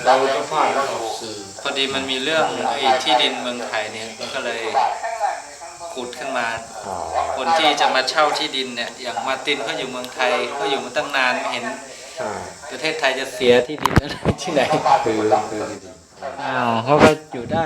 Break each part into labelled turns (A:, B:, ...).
A: เราก็พลาดแล้วออกสื่อ
B: พอดีมันมีเรื่องไอ้ที่ดินเมืองไทยเนี่ยก็เลยขุดขึ้นมาคนที่จะมาเช่าที่ดินเนี่ยอย่างมาร์ตินเขาอยู่เมืองไทยเขาอยู่มาตั้งนานไม่เห็นประเทศไทยจะเสียที่ดินอะไรที่ไหน
C: คือ
B: อ้าวเขาก็อยู่ได้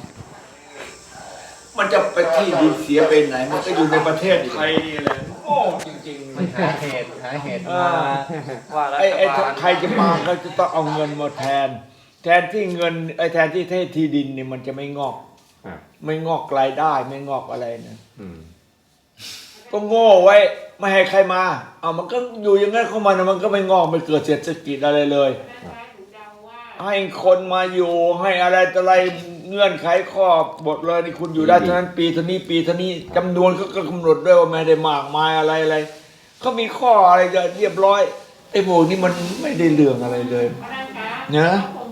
A: มันจะไปที่ดินเสียไปไหนมันก็อยู่ในประเทศไทยนี่แหละโง่จริงๆ
B: มันหาเหตุมาว่ารัฐ
A: ไอ้
B: บาล
A: ใครจะมาเขาจะต้องเอาเงินมาแทนที่เงินแทนที่ที่ดินนี่มันจะไม่งอกไม่งอกรายได้ไม่งอกอะไรนะก็โง่ไว้ไม่ให้ใครมาเอามันก็อยู่อย่างนั้นเข้ามานะมันก็ไม่งอกไม่เกิดเศรษฐกิจอะไรเลยให้คนมาอยู่ให้อะไรต่ออะไรเงื่อนไขข้อบทเลยนี่คุณอยู่ได้เท่านั้นปีเท่านี้ปีเท่านี้จำนวนเขาก็กำหนดด้วยว่าไม่ได้มากมายอะไรเขามีข้ออะไรจะเรียบร้อยไอ้พวกนี้มันไม่ได้เรื่องอะไรเลยนะ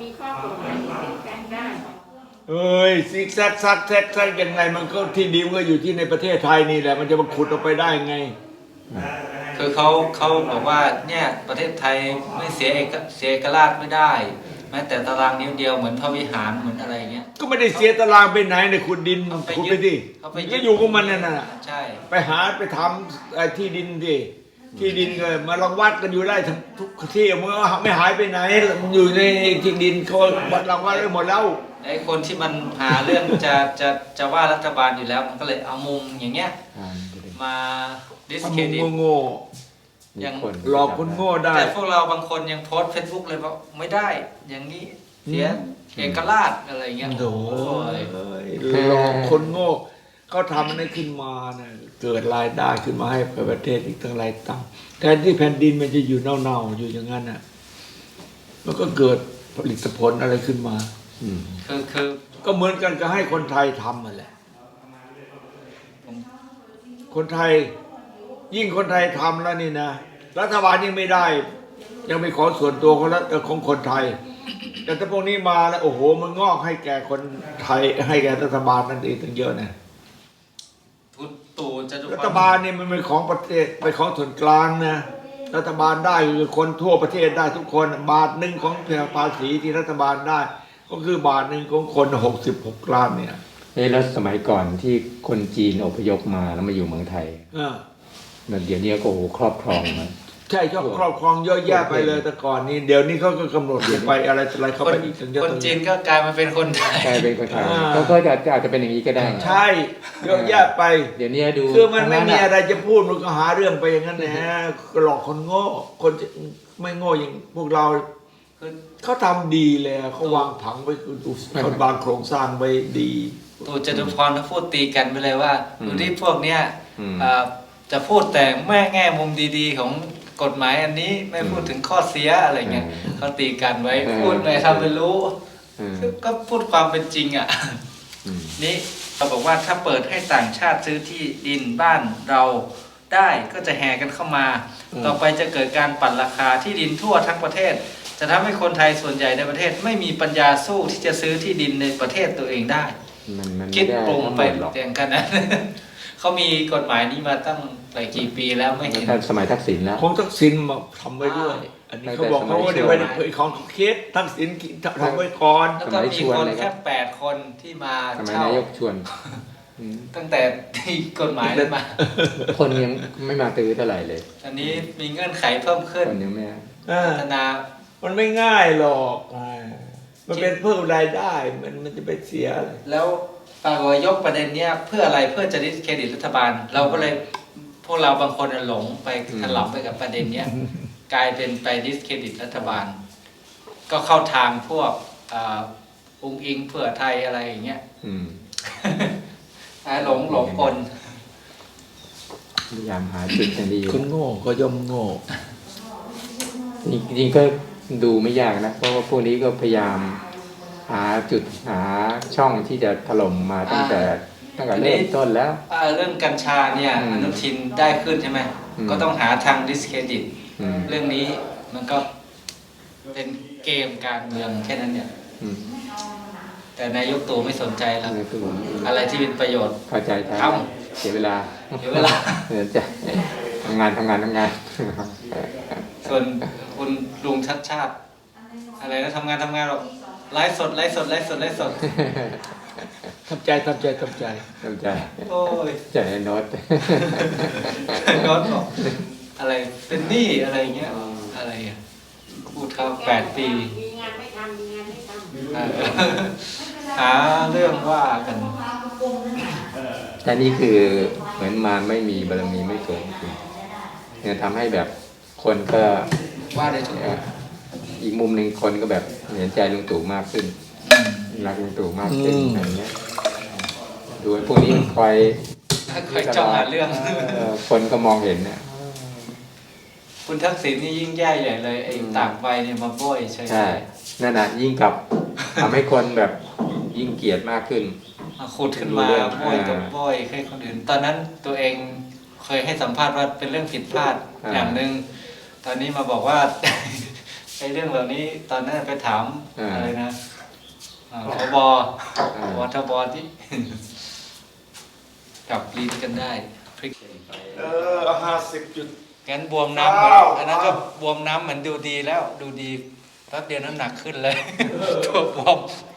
A: เอ้ยซิกแซกซักแซกยังไงมันก็ที่ดินก็อยู่ที่ในประเทศไทยนี่แหละมันจะมาขุดออกไปได้ไง
B: คือเขาบอกว่าเนี่ยประเทศไทยไม่เสียเอกราชไม่ได้แม้แต่ตารางนิ้วเดียวเหมือนพระวิหารเหมือนอะไรเงี้ย
A: ก็ไม่ได้เสียตารางไปไหนในขุดดินขุดไปดิก็อยู่กับมันนั่นน่ะ
B: ใช่
A: ไปหาไปทำที่ดินดิที่ดินก็มาลองวัดกันอยู่ได้ทุกที่มันไม่หายไปไหนมันอยู่ในที่ดินเขาวัดลองวัดได้หมดแล้ว
B: ไอ้คนที่มันหาเรื่องจะว่ารัฐบาลอยู่แล้วมันก็เลยเอามุมอย่างเงี้ยมาดิสเครดิต
A: โง่
B: ยัง
A: หลอกคนโง่ได้
B: แต่พวกเราบางคนยังโพสเฟซบุ๊กเลยว่าไม่ได้อย่างนี้เสียเอกราชอะไรเงี้ย
A: โอ้ยหลอกคนโง่เขาทำอะไรขึ้นมาเนี่ยเกิดรายได้ขึ้นมาให้ประเทศอีกตั้งหลายตังค์แทนที่แผ่นดินมันจะอยู่เน่าๆอยู่อย่างนั้นน่ะมันก็เกิดผลิตผลอะไรขึ้นมา
B: คือ
A: ก็เหมือนกันก็ให้คนไทยทำนั่นแหละคนไทยยิ่งคนไทยทำแล้วนี่นะรัฐบาลยังไม่ได้ยังไม่ขอส่วนตัวของคนไทยแต่ถ้าพวกนี้มาแล้วโอ้โหมันงอกให้แก่คนไทยให้แก่รัฐบาลนั่นเองตั้งเยอะนะรัฐบาลเนี่ยมันเป็นของประเทศเป็นของส่วนกลางนะรัฐบาลได้คือคนทั่วประเทศได้ทุกคนบาทหนึ่งของภาษีที่รัฐบาลได้ก็คือบาทหนึ่งของคน66 ล้านเนี่ย
C: แล้วสมัยก่อนที่คนจีนอพยพมาแล้วมาอยู่เมืองไทยเดี๋ยวนี้ก็โอ้ครอบครองมัน
A: ใช่ครอบครองเยอะแยะไปเลยแต่ก่อนนี้เดี๋ยวนี้เขาก็กำหนดไปอะไรเข้าไปอีก
B: คนจีนก็กลายมาเป็นคนไทย
C: กลายเป็นคนไทยก็อาจจะเป็นอย่างนี้ก็ได้
A: ใช่เยอะแยะไป
C: เดี๋ยวนี้ดู
A: คือมันไม่มีอะไรจะพูดมันก็หาเรื่องไปอย่างนั้นนะหลอกคนโง่คนไม่โง่อย่างพวกเราเขาทำดีเลยเขาวางผังไว้เขาวางโครงสร้างไว้ดี
B: ตู่จตุพรเขาพูดตีกันไปเลยว่าดูที่พวกเนี้ยจะพูดแต่แง่มุมดีๆของกฎหมายอันนี้ไม่พูดถึงข้อเสียอะไรเงี้ยเขาตีกันไว้พูดไม่ทำเป็นรู้ก็พูดความเป็นจริงอ่ะนี่เราบอกว่าถ้าเปิดให้ต่างชาติซื้อที่ดินบ้านเราได้ก็จะแห่กันเข้ามาต่อไปจะเกิดการปั่นราคาที่ดินทั่วทั้งประเทศจะทำให้คนไทยส่วนใหญ่ในประเทศไม่มีปัญญาสู้ที่จะซื้อที่ดินในประเทศตัวเองได้คิดปรุงไปอย่างกันนะเขามีกฎหมายนี้มาตั้งหลายกี่ปีแล้วไม่เห็น
C: สมัยทักษิณแล้ว
A: ของทักษิณมาทำไว้ด้วยอันนี้เขาบอกเขาว่าเดี๋ยวไว้ของเคสทักษิณทำไว้ก่อน
B: แล้วก็มีคนแค่8 คนที่มา
C: เช่านายกชวน
B: ตั้งแต่ที่กฎหมายเลยมา
C: คนยังไม่มาตื้อเท่าไหร่เลย
B: อันนี้มีเงื่อนไขเพิ่มขึ้น
C: คนยังไม่
B: พัฒนา
A: มันไม่ง่ายหรอกมันเป็นเพิ่มรายได้มันจะไปเสีย
B: แล้วปากว่ายกประเด็นเนี้ยเพื่ออะไรเพื่อจะดิสเครดิตรัฐบาลเราก็เลยพวกเราบางคนหลงไปถลำไปกับประเด็นเนี้ยกลายเป็นไปดิสเครดิตรัฐบาลก็เข้าทางพวกองค์อิงเพื่อไทยอะไรอย่างเงี้ยหลงคน
C: พยายามหาจุดอย่างดี
A: คนโง่ก็ย่อมโง่
C: จริงๆก็ดูไม่ยากนะเพราะว่าพวกนี้ก็พยายามหาจุดหาช่องที่จะถล่มมาตั้งแต่เริ่มต้นแล้ว
B: เรื่องกัญชาเนี่ยอนุทินได้ขึ้นใช่ไหมก็ต้องหาทางดิสเครดิตเรื่องนี้มันก็เป็นเกมการเมืองแค่นั้นเนี่ยแต่นายกตู่ไม่สนใจแล้วอะไรที่เป็นประโยชน์
C: เข้าใจทำเสียเวลาจะทำงาน
B: ส่วนคุณลุงชัดชาติอะไรนะทำงานหรอกไลฟ์สดไลฟ์สดไลฟ์สดไลฟ์สด
A: ทำใจทำใจทำใจ
C: เข้าใจ
B: โอ้ย
C: ใจโน้ต
B: ย้อนบอกอะไรเป็นหนี้อะไรเงี้ยอะไรอ่ะพูดเขา8 ปี
D: มีงานไม่ทำมีงานไม่ทำ
B: เออหาเรื่องว่ากัน
C: แต่นี่คือเหมือนมารไม่มีบารมีไม่เกิดขึ้นเนี่ยทำให้แบบคนก็
B: ว่าได้ทุกคน
C: อีกมุมหนึ่งคนก็แบบเห็นใจลุงตู่มากขึ้นรักลุงตู่มากขึ้นอะไรเงี้ยดูไอ้พวกนี้มันคอย
B: คอยจ้องหาเรื่อง
C: คนก็มองเห็นเนี่ย
B: คุณทักษิณนี่ยิ่งแย่ใหญ่เลยไอ้ตากใบเนี่ยมาโบ้ยใช่
C: ใช่นั่นน่ะยิ่งกับทำให้คนแบบยิ่งเกลียดมากขึ้น
B: ขุดขึ้นมาโบ้ยกับโบ้ยให้คนอื่นตอนนั้นตัวเองเคยให้สัมภาษณ์ว่าเป็นเรื่องผิดพลาดอย่างหนึ่งตอนนี้มาบอกว่า ไอ้เรื่องเหล่านี้ตอนนั้นไปถามอะไรนะพบทบที่ กลับลิ้นกันได้พลิก
A: 50 จุด
B: งั้นบวมน้ำเหมือนอันนั้นก็บวมน้ำเหมือนดูดีแล้วดูดีแป๊บเดียวน้ำหนักขึ้นเลย ตัวบวม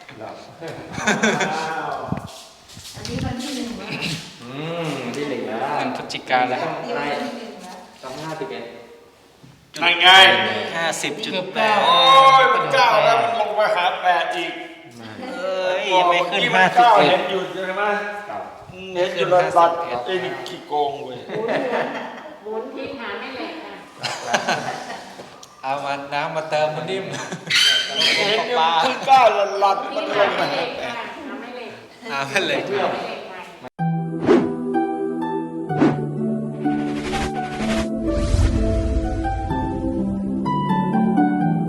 D: อันนี้วันที่ 1นะ
C: ที่หนึ่งแล้ว
B: มันพฤศจิกาแล้ว
C: ต้อง51
A: ง่าย
B: 50.8
A: โอ้ยมันเก้าแล้วมันลงไปหา8อีก
B: เอ้ยไม่ขึ้น
A: เมื่อกี้มันเก้าเห็น
B: 51
A: อยู่ใช่ไหมเห็นอยู่รัดไอ้นี่ขี้โกงเว้ย
D: หมุนทิ้งหาไม่แหลกค่ะ
B: เอามาน้ำมาเติมมันนิ่ม
A: เห็นอยู่
B: ปลา
A: ขึ้นเก้ารัดมันล
D: หาง ไม่
A: มา
D: แหลกค่ะหาไม่แหลก
B: ไม่เหล็ก
D: หาไม่แหลก